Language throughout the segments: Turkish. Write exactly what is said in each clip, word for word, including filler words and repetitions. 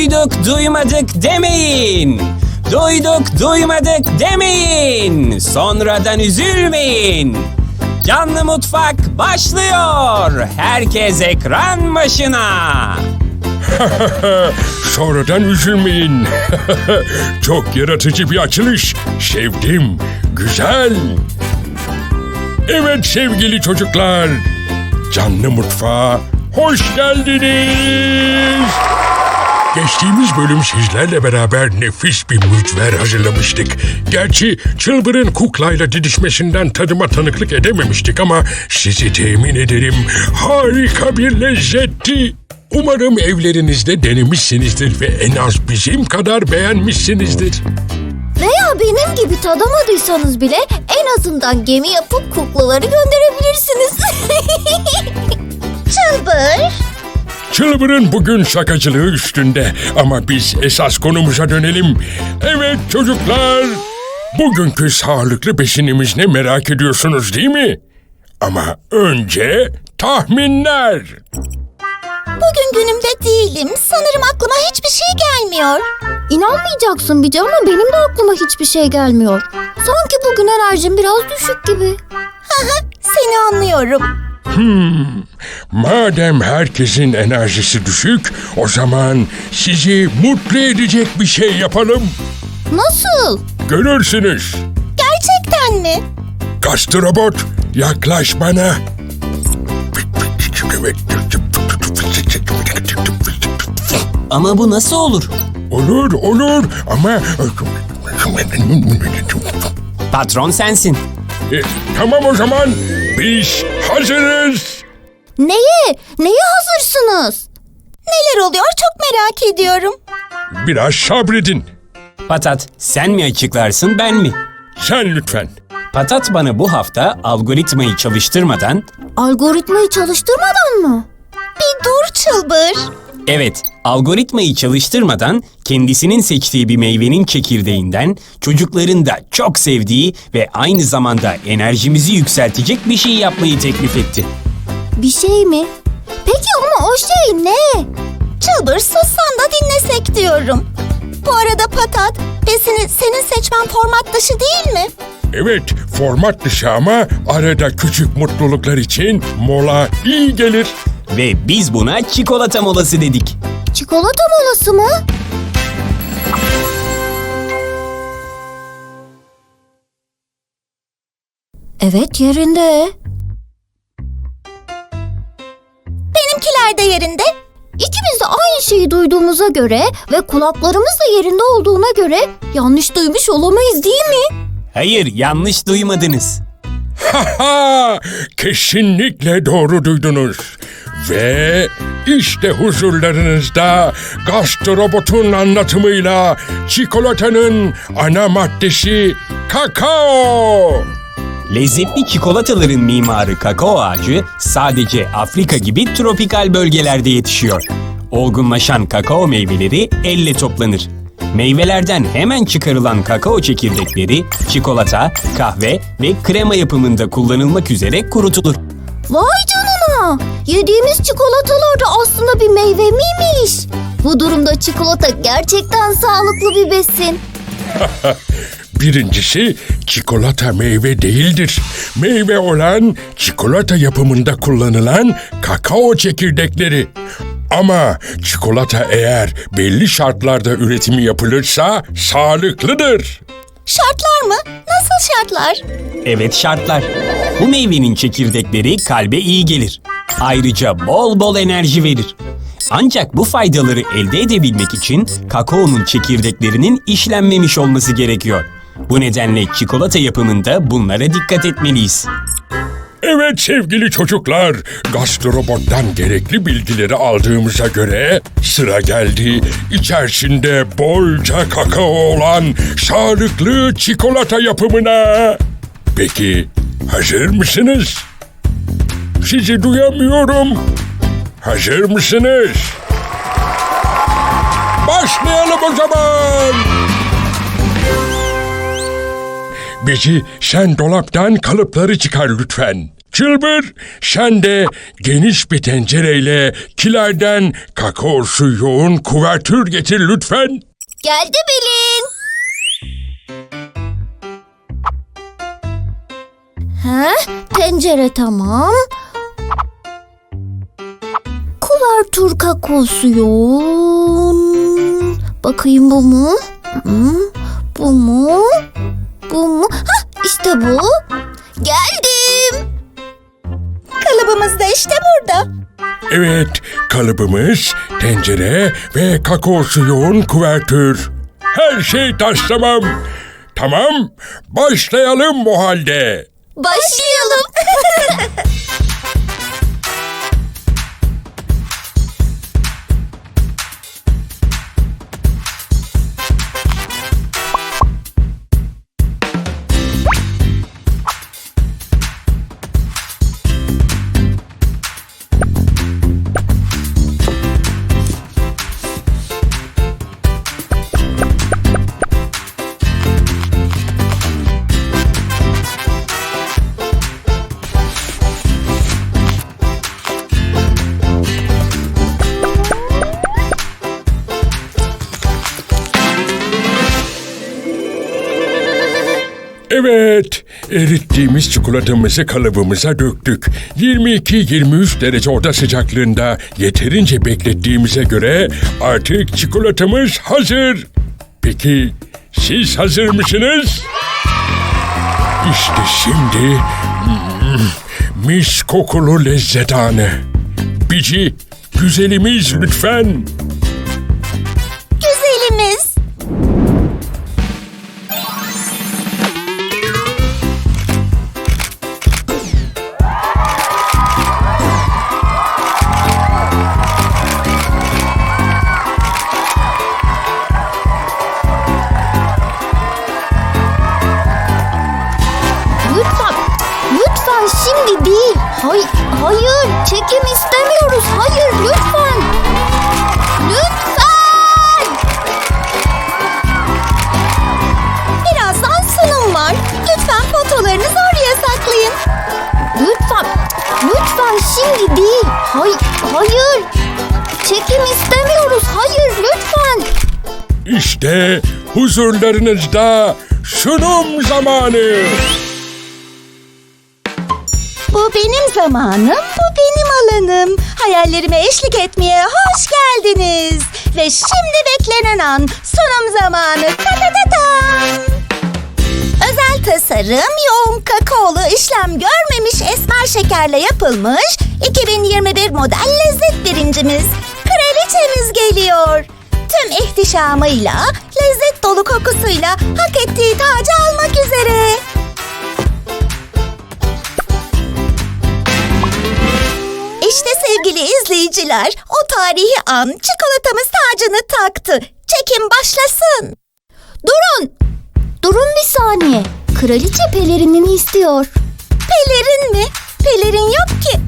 Duyduk duymadık demeyin. Duyduk duymadık demeyin. Sonradan üzülmeyin. Canlı Mutfak başlıyor. Herkes ekran başına. Sonradan üzülmeyin. Çok yaratıcı bir açılış. Sevdim. Güzel. Evet sevgili çocuklar. Canlı Mutfağa hoş geldiniz. Geçtiğimiz bölüm sizlerle beraber nefis bir mücver hazırlamıştık. Gerçi Çılbır'ın kuklayla didişmesinden tadıma tanıklık edememiştik ama sizi temin ederim harika bir lezzetti. Umarım evlerinizde denemişsinizdir ve en az bizim kadar beğenmişsinizdir. Veya benim gibi tadamadıysanız bile en azından gemi yapıp kuklaları gönderebilirsiniz. Çılbır. Çılbır'ın bugün şakacılığı üstünde ama biz esas konumuza dönelim. Evet çocuklar, bugünkü sağlıklı besinimiz ne merak ediyorsunuz değil mi? Ama önce tahminler. Bugün günümde değilim. Sanırım aklıma hiçbir şey gelmiyor. İnanmayacaksın Bici ama benim de aklıma hiçbir şey gelmiyor. Sanki bugün enerjim biraz düşük gibi. Seni anlıyorum. Hmm, madem herkesin enerjisi düşük, o zaman sizi mutlu edecek bir şey yapalım. Nasıl? Görürsünüz. Gerçekten mi? Gastrobot, yaklaş bana. Ama bu nasıl olur? Olur, olur ama... Patron sensin. E, tamam o zaman, biz hazırız. Neye? Neye hazırsınız? Neler oluyor çok merak ediyorum. Biraz sabredin. Patat, sen mi açıklarsın ben mi? Sen lütfen. Patat bana bu hafta algoritmayı çalıştırmadan... Algoritmayı çalıştırmadan mı? Bir dur Çılbır. Evet, algoritmayı çalıştırmadan kendisinin seçtiği bir meyvenin çekirdeğinden çocukların da çok sevdiği ve aynı zamanda enerjimizi yükseltecek bir şey yapmayı teklif etti. Bir şey mi? Peki ama o şey ne? Çılbır sussan da dinlesek diyorum. Bu arada Patat, besini senin seçmen format dışı değil mi? Evet, format dışı ama arada küçük mutluluklar için mola iyi gelir. Ve biz buna çikolata molası dedik. Çikolata molası mı? Evet yerinde. Benimkiler de yerinde. İkimiz de aynı şeyi duyduğumuza göre ve kulaklarımız da yerinde olduğuna göre yanlış duymuş olamayız değil mi? Hayır, yanlış duymadınız. Haha, kesinlikle doğru duydunuz. Ve işte huzurlarınızda Gastrobot'un anlatımıyla çikolatanın ana maddesi kakao. Lezzetli çikolataların mimarı kakao ağacı sadece Afrika gibi tropikal bölgelerde yetişiyor. Olgunlaşan kakao meyveleri elle toplanır. Meyvelerden hemen çıkarılan kakao çekirdekleri çikolata, kahve ve krema yapımında kullanılmak üzere kurutulur. Vay canına! Yediğimiz çikolatalar da aslında bir meyve miymiş? Bu durumda çikolata gerçekten sağlıklı bir besin. Birincisi, çikolata meyve değildir. Meyve olan çikolata yapımında kullanılan kakao çekirdekleri. Ama çikolata eğer belli şartlarda üretimi yapılırsa sağlıklıdır. Şartlar mı? Nasıl şartlar? Evet, şartlar. Bu meyvenin çekirdekleri kalbe iyi gelir. Ayrıca bol bol enerji verir. Ancak bu faydaları elde edebilmek için kakaonun çekirdeklerinin işlenmemiş olması gerekiyor. Bu nedenle çikolata yapımında bunlara dikkat etmeliyiz. Evet sevgili çocuklar, Gastrobot'tan gerekli bilgileri aldığımıza göre sıra geldi içerisinde bolca kakao olan sağlıklı çikolata yapımına. Peki hazır mısınız? Sizi duyamıyorum. Hazır mısınız? Başlayalım o zaman. Bici, sen dolaptan kalıpları çıkar lütfen. Çılbır, sen de geniş bir tencereyle kilerden kakaosu yoğun kuvertür getir lütfen. Geldi Pelin. Ha, tencere tamam. Kuvertür kakaosu yoğun. Bakayım bu mu? Hı, bu mu? Bu mu? Hah, işte bu. Geldim. Kalıbımız da işte burada. Evet, kalıbımız, tencere ve kakaosu yoğun kuvertür. Her şey taş tamam. Tamam, başlayalım o halde. Başlayalım. Evet, erittiğimiz çikolatamızı kalıbımıza döktük. yirmi iki yirmi üç derece oda sıcaklığında yeterince beklettiğimize göre artık çikolatamız hazır. Peki siz hazır mısınız? İşte şimdi mm, mis kokulu lezzet anı. Bici, güzelimiz lütfen. Güzelimiz. Lütfen, lütfen şimdi değil. Hay, hayır, çekim istemiyoruz. Hayır, lütfen. Lütfen. Birazdan sunum var. Lütfen fotolarınızı oraya saklayın. Lütfen, lütfen şimdi değil. Hay, hayır. Çekim istemiyoruz. Hayır, lütfen. İşte huzurlarınızda sunum zamanı. Bu benim zamanım, bu benim alanım. Hayallerime eşlik etmeye hoş geldiniz. Ve şimdi beklenen an, sunum zamanı. Ta ta ta tam. Özel tasarım, yoğun kakaolu işlem görmemiş esmer şekerle yapılmış iki bin yirmi bir model lezzet birincimiz. Kraliçemiz geliyor. Tüm ihtişamıyla, lezzet dolu kokusuyla hak ettiği tacı almak üzere. İşte sevgili izleyiciler, o tarihi an çikolatamız tacını taktı. Çekim başlasın. Durun! Durun bir saniye. Kraliçe pelerinini istiyor. Pelerin mi? Pelerin yok ki.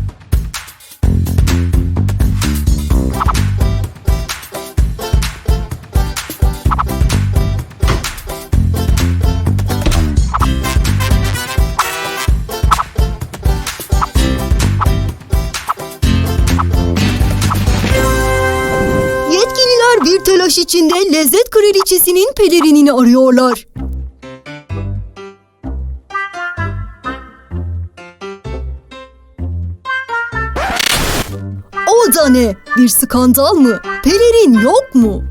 Yetkililer bir telaş içinde lezzet kraliçesinin pelerinini arıyorlar. O da ne? Bir skandal mı? Pelerin yok mu?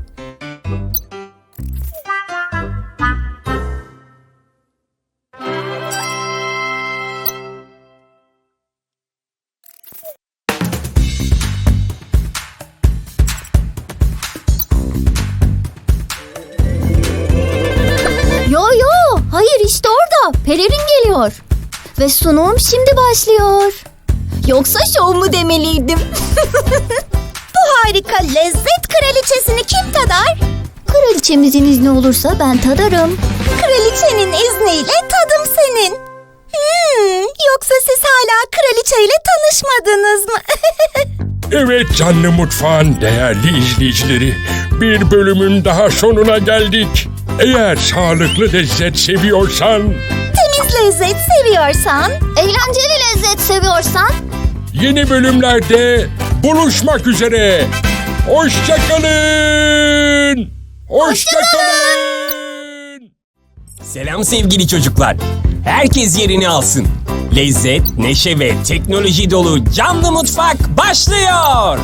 Yo yo, hayır işte orada. Pelerin geliyor. Ve sunum şimdi başlıyor. Yoksa şov mu demeliydim? Bu harika lezzet kraliçesini kim tadar? Kraliçemizin izni olursa ben tadarım. Kraliçenin izniyle tadım senin. Hmm, yoksa siz hala kraliçeyle tanışmadınız mı? Evet canlı mutfağın değerli izleyicileri, bir bölümün daha sonuna geldik. Eğer sağlıklı lezzet seviyorsan Temiz lezzet seviyorsan, eğlenceli lezzet seviyorsan, Yeni bölümlerde buluşmak üzere. Hoşçakalın. Hoşçakalın. Selam sevgili çocuklar. Herkes yerini alsın. Lezzet, neşe ve teknoloji dolu Canlı Mutfak başlıyor.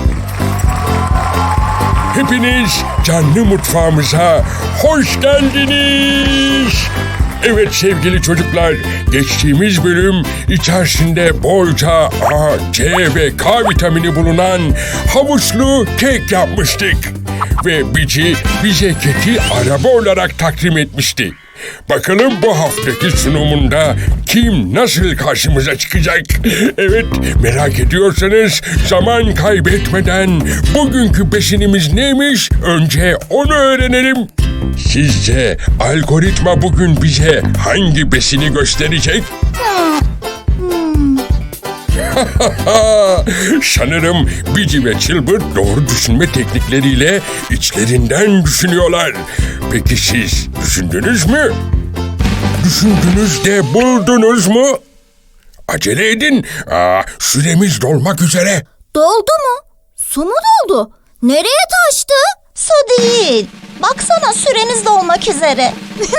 Hepiniz canlı mutfağımıza hoş geldiniz. Evet sevgili çocuklar, geçtiğimiz bölüm içerisinde bolca A, C ve K vitamini bulunan havuçlu kek yapmıştık. Ve Bici bize keki araba olarak takdim etmişti. Bakalım bu haftaki sunumunda kim nasıl karşımıza çıkacak? Evet, merak ediyorsanız zaman kaybetmeden bugünkü besinimiz neymiş? Önce onu öğrenelim. Sizce algoritma bugün bize hangi besini gösterecek? Sanırım Bici ve Çılbır doğru düşünme teknikleriyle içlerinden düşünüyorlar. Peki siz düşündünüz mü? Düşündünüz de buldunuz mu? Acele edin. Aa, süremiz dolmak üzere. doldu mu? Su mu doldu? Nereye taştı? Su değil. Baksana süreniz dolmak üzere.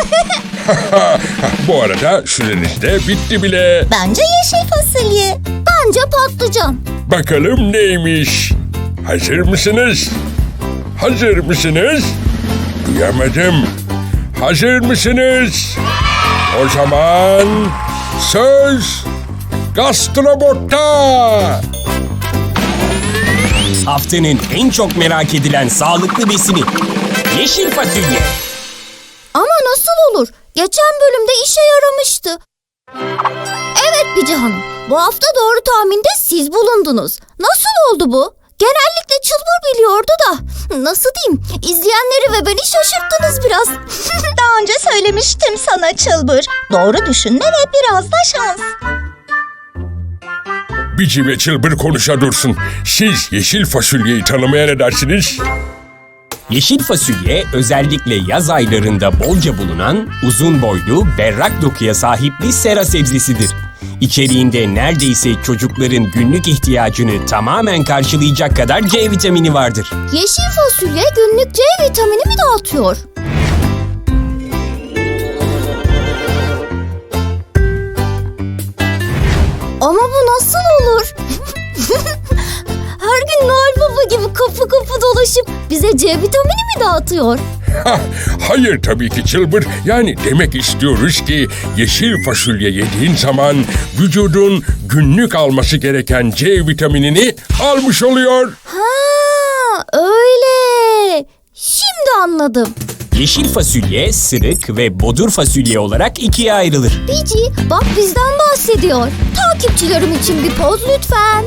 Bu arada süreniz de bitti bile. Bence yeşil fasulye. Bence patlıcan. Bakalım neymiş? Hazır mısınız? Hazır mısınız? Duyamadım. Hazır mısınız? O zaman söz gastrobotta. Haftanın en çok merak edilen sağlıklı besini. Yeşil fasulye. Ama nasıl olur? Geçen bölümde işe yaramıştı. Evet Bici Hanım. Bu hafta doğru tahminde siz bulundunuz. Nasıl oldu bu? Genellikle Çılbır biliyordu da. Nasıl diyeyim? İzleyenleri ve beni şaşırttınız biraz. Daha önce söylemiştim sana Çılbır. Doğru düşünme ve biraz da şans. Bici ve Çılbır konuşa dursun. Siz yeşil fasulyeyi tanımaya ne dersiniz? Yeşil fasulye özellikle yaz aylarında bolca bulunan uzun boylu, berrak dokuya sahip bir sera sebzesidir. İçeriğinde neredeyse çocukların günlük ihtiyacını tamamen karşılayacak kadar C vitamini vardır. Yeşil fasulye günlük C vitamini mi dağıtıyor? Ama bu nasıl olur? Her gün Noel Baba gibi kapı kapı dolaşıp bize C vitamini mi dağıtıyor? Ha, hayır tabii ki Çılbır. Yani demek istiyoruz ki yeşil fasulye yediğin zaman vücudun günlük alması gereken C vitaminini almış oluyor. Ha, öyle. Şimdi anladım. Yeşil fasulye, sırık ve bodur fasulye olarak ikiye ayrılır. Bici, bak bizden bahsediyor. Takipçilerim için bir poz lütfen.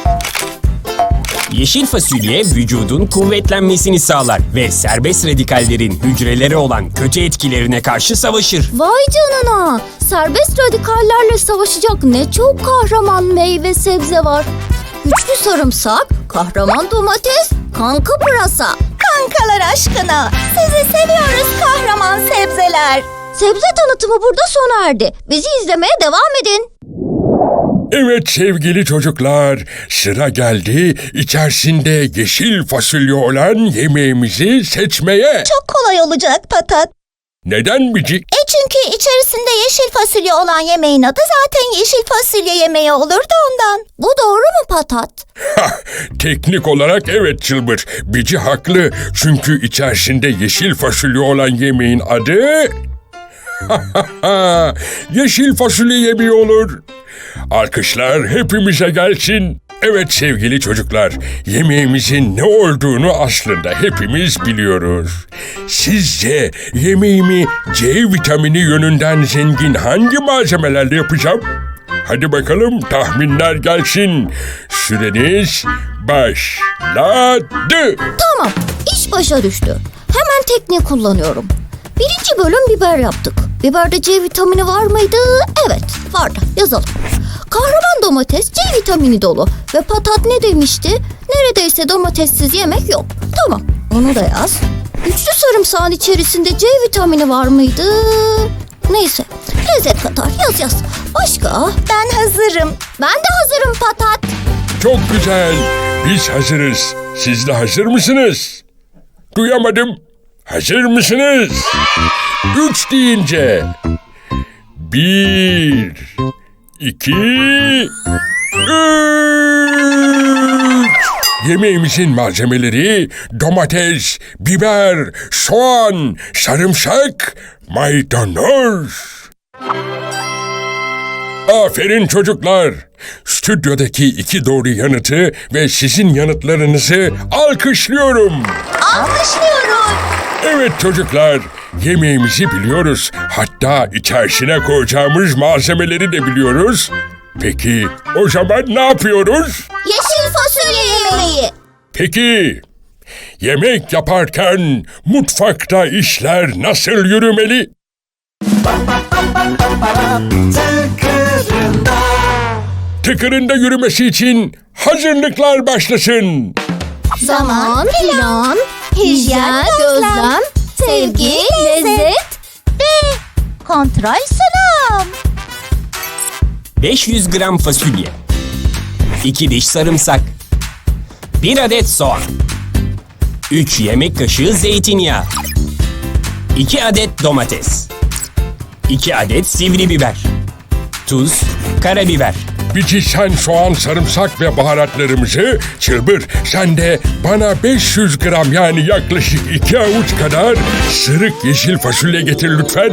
Yeşil fasulye vücudun kuvvetlenmesini sağlar ve serbest radikallerin hücrelere olan kötü etkilerine karşı savaşır. Vay canına. Serbest radikallerle savaşacak ne çok kahraman meyve sebze var. Güçlü sarımsak, kahraman domates, kanka pırasa. Kankalar aşkına. Sizi seviyoruz kahraman sebzeler. Sebze tanıtımı burada sona erdi. Bizi izlemeye devam edin. Evet sevgili çocuklar, sıra geldi içerisinde yeşil fasulye olan yemeğimizi seçmeye. Çok kolay olacak Patat. Neden Bici? E çünkü içerisinde yeşil fasulye olan yemeğin adı zaten yeşil fasulye yemeği olurdu ondan. Bu doğru mu Patat? Hah, teknik olarak evet Çılbır. Bici haklı çünkü içerisinde yeşil fasulye olan yemeğin adı... yeşil fasulye yemeği olur. Alkışlar hepimize gelsin. Evet sevgili çocuklar, yemeğimizin ne olduğunu aslında hepimiz biliyoruz. Sizce yemeğimi C vitamini yönünden zengin hangi malzemelerle yapacağım? Hadi bakalım tahminler gelsin. Süreniz başladı. Tamam, iş başa düştü. Hemen tekniği kullanıyorum. Birinci bölüm biber yaptık. Biberde C vitamini var mıydı? Evet, vardı. Yazalım. Kahraman domates C vitamini dolu. Ve Patat ne demişti? Neredeyse domatessiz yemek yok. Tamam, onu da yaz. Güçlü sarımsağın içerisinde C vitamini var mıydı? Neyse. Lezzet katar. Yaz yaz. Başka? Ben hazırım. Ben de hazırım Patat. Çok güzel. Biz hazırız. Siz de hazır mısınız? Duyamadım. Hazır mısınız? Üç deyince. Bir, iki, üç. Yemeğimizin malzemeleri domates, biber, soğan, sarımsak, maydanoz. Aferin çocuklar. Stüdyodaki iki doğru yanıtı ve sizin yanıtlarınızı alkışlıyorum. Alkışlıyorum. Evet çocuklar, yemeğimizi biliyoruz. Hatta içerisine koyacağımız malzemeleri de biliyoruz. Peki o zaman ne yapıyoruz? Yeşil fasulye yemeği. Peki yemek yaparken mutfakta işler nasıl yürümeli? Tıkırında yürümesi için hazırlıklar başlasın. Zaman, plan, hijyen, gözlem, sevgi, lezzet ve kontrol sunum. beş yüz gram fasulye, iki diş sarımsak, bir adet soğan, üç yemek kaşığı zeytinyağı, iki adet domates, iki adet sivri biber, tuz, karabiber. Bici sen soğan, sarımsak ve baharatlarımızı, Çılbır sen de bana beş yüz gram yani yaklaşık iki avuç kadar sırık yeşil fasulye getir lütfen.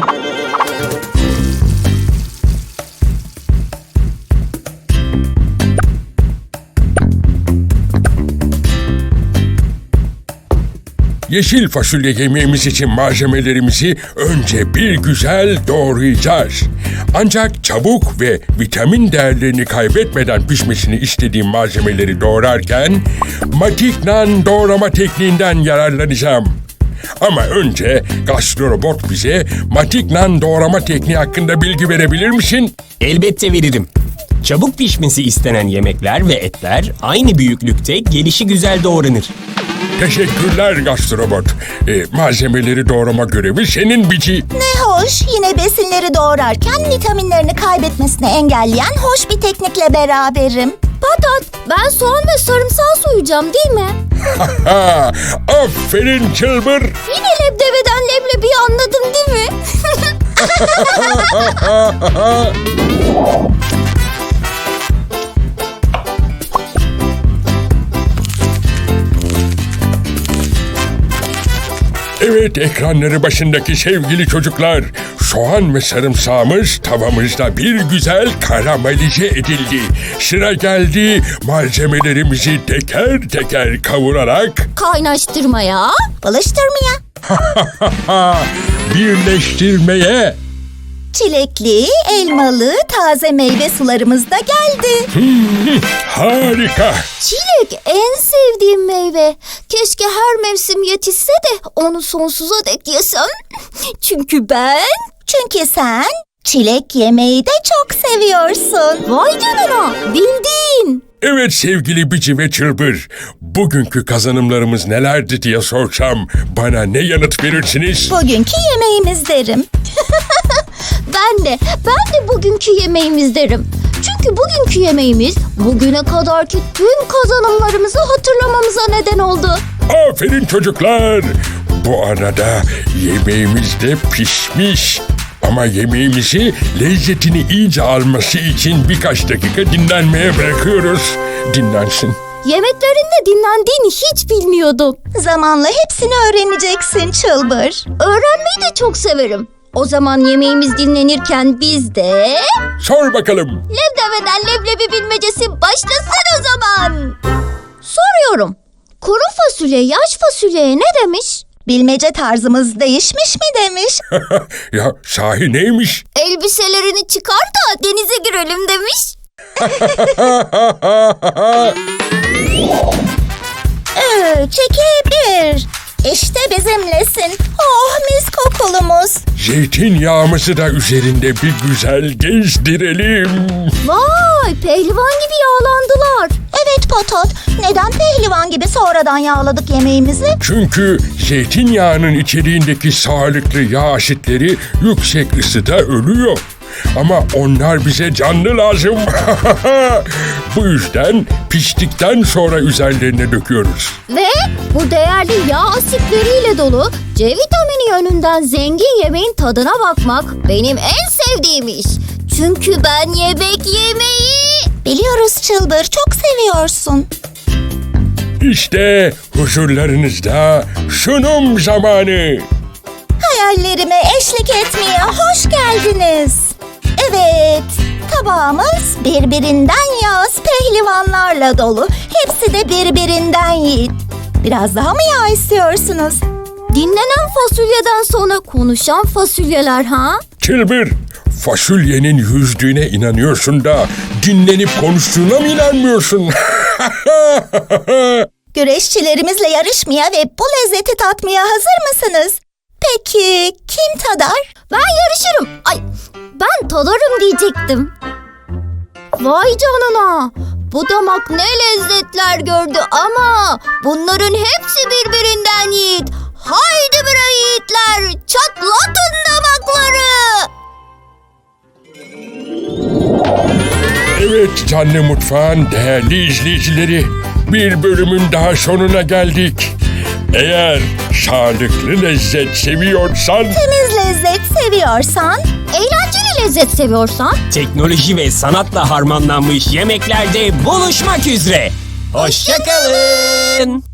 Yeşil fasulye yemeğimiz için malzemelerimizi önce bir güzel doğrayacağız. Ancak çabuk ve vitamin değerlerini kaybetmeden pişmesini istediğim malzemeleri doğrarken Matiknan doğrama tekniğinden yararlanacağım. Ama önce gastrobot bize Matiknan doğrama tekniği hakkında bilgi verebilir misin? Elbette veririm. Çabuk pişmesi istenen yemekler ve etler aynı büyüklükte gelişi güzel doğranır. Teşekkürler gastrobot. Ee, malzemeleri doğrama görevi senin Bici. Ne hoş, yine besinleri doğrarken vitaminlerini kaybetmesini engelleyen hoş bir teknikle beraberim. Patat, ben soğan ve sarımsağı soyacağım değil mi? Ha, aferin Çılbır. Yine lebdebeden leblebiyi anladım değil mi? Evet ekranları başındaki sevgili çocuklar, soğan ve sarımsağımız tavamızda bir güzel karamelize edildi. Sıra geldi malzemelerimizi teker teker kavurarak Kaynaştırmaya, balıştırmaya. birleştirmeye. Çilekli, elmalı, taze meyve sularımız da geldi. Harika. Çilek en sevdiğim meyve. Keşke her mevsim yetişse de onu sonsuza dek yesem. Çünkü ben... Çünkü sen çilek yemeyi de çok seviyorsun. Vay canına, bildin. Evet sevgili Bici ve Çılbır, bugünkü kazanımlarımız nelerdi diye sorsam bana ne yanıt verirsiniz? Bugünkü yemeğimiz derim. Ben de, ben de bugünkü yemeğimiz derim. Çünkü bugünkü yemeğimiz bugüne kadarki tüm kazanımlarımızı hatırlamamıza neden oldu. Aferin çocuklar. Bu arada yemeğimiz de pişmiş. Ama yemeğimizi lezzetini iyice alması için birkaç dakika dinlenmeye bırakıyoruz. Dinlensin. Yemeklerinde dinlendiğini hiç bilmiyordum. Zamanla hepsini öğreneceksin Çılbır. Öğrenmeyi de çok severim. O zaman yemeğimiz dinlenirken biz de... Sor bakalım. Lebdebeden leblebi bilmecesi başlasın o zaman. Soruyorum. Kuru fasulye yaş fasulyeye ne demiş? Bilmece tarzımız değişmiş mi demiş. Ya sahi neymiş? Elbiselerini çıkar da denize girelim demiş. Ee, çekil. İşte bizimlesin. Oh mis kokulumuz. Zeytinyağımızı da üzerinde bir güzel gezdirelim. Vay pehlivan gibi yağlandılar. Evet Patat, neden pehlivan gibi sonradan yağladık yemeğimizi? Çünkü zeytinyağının içeriğindeki sağlıklı yağ asitleri yüksek ısıda ölüyor. Ama onlar bize canlı lazım. Bu yüzden piştikten sonra üzerlerine döküyoruz. Ve bu değerli yağ asitleriyle dolu C vitamini yönünden zengin yemeğin tadına bakmak benim en sevdiğim iş. Çünkü ben yemek yemeyi... Biliyoruz Çılbır, çok seviyorsun. İşte huzurlarınızda sunum zamanı. Hayallerime eşlik etmeye hoş geldiniz. Evet, tabağımız birbirinden yağız pehlivanlarla dolu. Hepsi de birbirinden yiğit. Biraz daha mı yağ istiyorsunuz? Dinlenen fasulyeden sonra konuşan fasulyeler ha? Çılbır, fasulyenin yüzdüğüne inanıyorsun da dinlenip konuştuğuna mı inanmıyorsun? Güreşçilerimizle yarışmaya ve bu lezzeti tatmaya hazır mısınız? Peki kim tadar? Ben yarışırım. Ay, ben tadarım diyecektim. Vay canına. Bu damak ne lezzetler gördü ama bunların hepsi birbirinden yiğit. Haydi bre yiğitler, çatlatın damakları. Evet Canlı Mutfağın değerli izleyicileri, bir bölümün daha sonuna geldik. Eğer sağlıklı lezzet seviyorsan, Temiz lezzet seviyorsan, eğlenceli lezzet seviyorsan, Teknoloji ve sanatla harmanlanmış yemeklerde buluşmak üzere. Hoşça kalın.